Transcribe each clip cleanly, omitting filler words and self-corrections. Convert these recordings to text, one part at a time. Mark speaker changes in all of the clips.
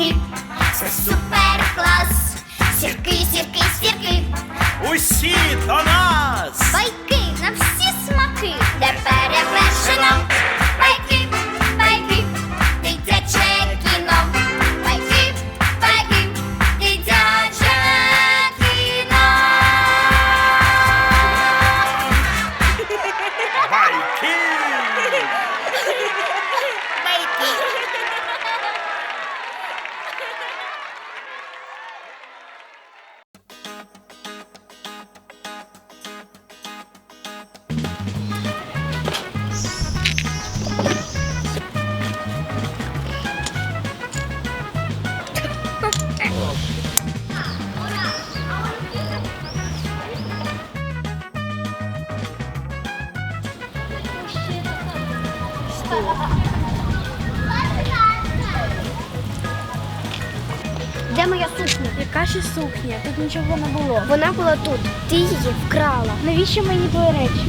Speaker 1: сірки, це супер клас. Сірки, сірки, сірки,
Speaker 2: Усі до нас!
Speaker 1: байки на всі смаки, де перевершено. Байки, байки, дитяче кіно. Байки, байки, дитяче кіно.
Speaker 2: Байки!
Speaker 3: Де моя сукня? Яка ще сукня? Тут нічого не було. Вона була тут. Ти її вкрала. Навіщо мені твої речі?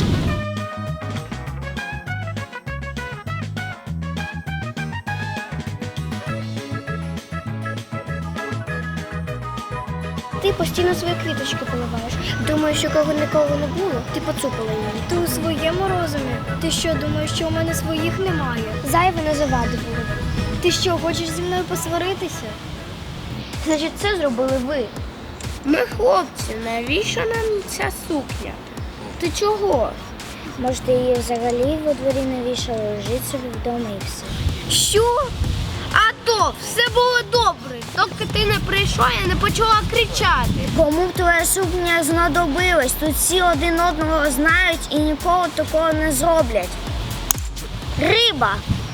Speaker 3: Ти постійно свої квіточки поливаєш. Думаєш, що кого нікого не було? Ти поцупила її. Ти у своєму розумі? Ти що, думаєш, що у мене своїх немає? Зайве не завади було. Ти що, хочеш зі мною посваритися? Значить, це зробили ви.
Speaker 4: Ми хлопці, навіщо нам ця сукня? Ти чого?
Speaker 3: Може, ти її взагалі во дворі не вішала, лежить собі вдома і все.
Speaker 4: Що? А то, все було добре. Доки ти не прийшла, я не почала кричати.
Speaker 3: Кому б твоя сукня знадобилась? Тут всі один одного знають і ніколи такого не зроблять. Риба!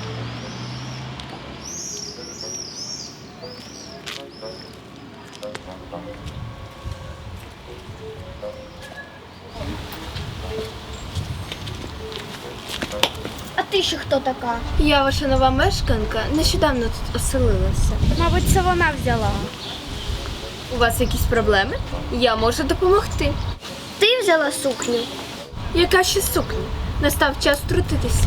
Speaker 3: А ти ще хто така?
Speaker 4: Я ваша нова мешканка, нещодавно тут оселилася.
Speaker 3: Мабуть, це вона взяла.
Speaker 4: У вас якісь проблеми? Я можу допомогти.
Speaker 3: Ти взяла сукню?
Speaker 4: Яка ще сукня? Настав час втрутитися.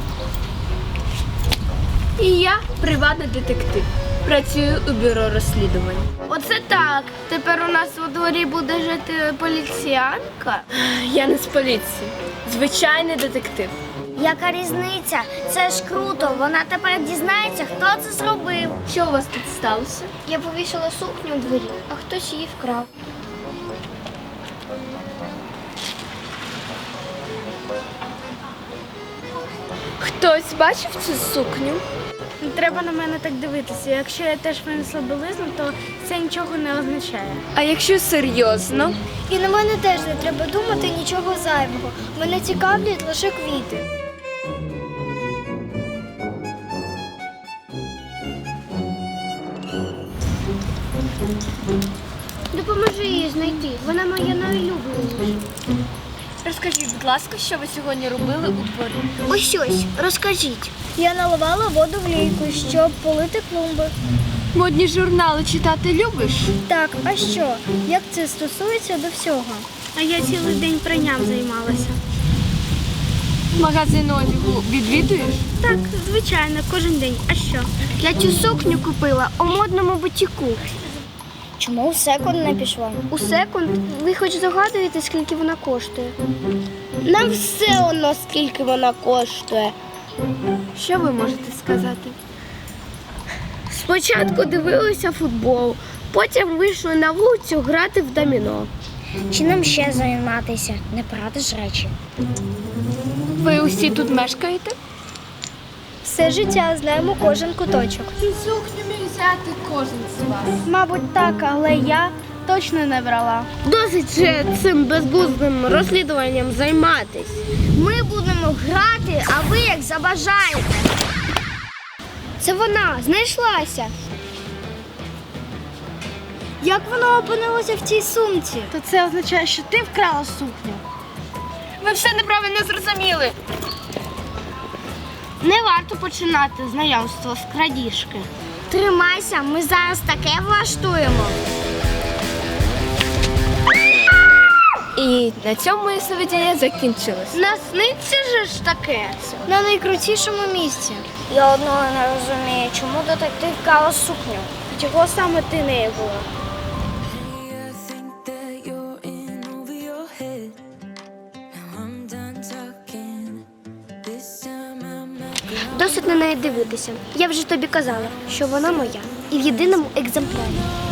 Speaker 4: І я приватний детектив. Працюю у бюро розслідувань. Оце так. Тепер у нас у дворі буде жити поліціянка. Я не з поліції. Звичайний детектив.
Speaker 3: Яка різниця? Це ж круто. Вона тепер дізнається, хто це зробив.
Speaker 4: Що у вас тут сталося?
Speaker 3: Я повісила сукню у дворі, а хтось її вкрав.
Speaker 4: Хтось бачив цю сукню?
Speaker 5: Не треба на мене так дивитися. Якщо я теж винесла білизну, то це нічого не означає.
Speaker 4: А якщо серйозно?
Speaker 3: І на мене теж не треба думати нічого зайвого. Мене цікавлять лише квіти. Допоможи її знайти. Вона моя найулюбленіша.
Speaker 4: Розкажіть, будь ласка, що ви сьогодні робили у дворі?
Speaker 3: Ось, розкажіть. Я наливала воду в лійку, щоб полити клумби.
Speaker 4: Модні журнали читати любиш?
Speaker 3: Так, а що? Як це стосується до всього?
Speaker 5: А я цілий день пранням займалася.
Speaker 4: Магазин одягу відвідуєш?
Speaker 5: Так, звичайно, кожен день. А що?
Speaker 3: Я цю сукню купила у модному бутіку. Чому у секонд не пішла? У секонд? Ви хоч здогадуєте, скільки вона коштує?
Speaker 4: Нам все одно, скільки вона коштує. Що ви можете сказати? Спочатку дивилися футбол, потім вийшли на вулицю грати в доміно.
Speaker 3: Чи нам ще займатися? Не брати ж речі.
Speaker 4: Ви усі тут мешкаєте?
Speaker 3: Все життя знаємо кожен куточок.
Speaker 4: Цю сукню міг взяти кожен з вас.
Speaker 5: Мабуть, так, але я точно не брала.
Speaker 4: Досить же цим безглуздим розслідуванням займатись.
Speaker 3: Ми будемо грати, а ви як забажаєте. Це вона, знайшлася. Як вона опинилася в цій сумці?
Speaker 5: То це означає, що ти вкрала сукню.
Speaker 4: Ви все неправильно зрозуміли. Не варто починати знайомство з крадіжки.
Speaker 3: Тримайся, ми зараз таке влаштуємо.
Speaker 4: І на цьому моє сновидіння закінчилось.
Speaker 3: Насниться же ж таке на найкрутішому місці. Я одного не розумію, чому детектив крала сукню.
Speaker 5: Чого саме ти нею була?
Speaker 6: I think that you're in over your head. Now I'm done talking. This time I'm not
Speaker 3: Досить на неї дивитися. Я вже тобі казала, що вона моя і в єдиному екземплярі.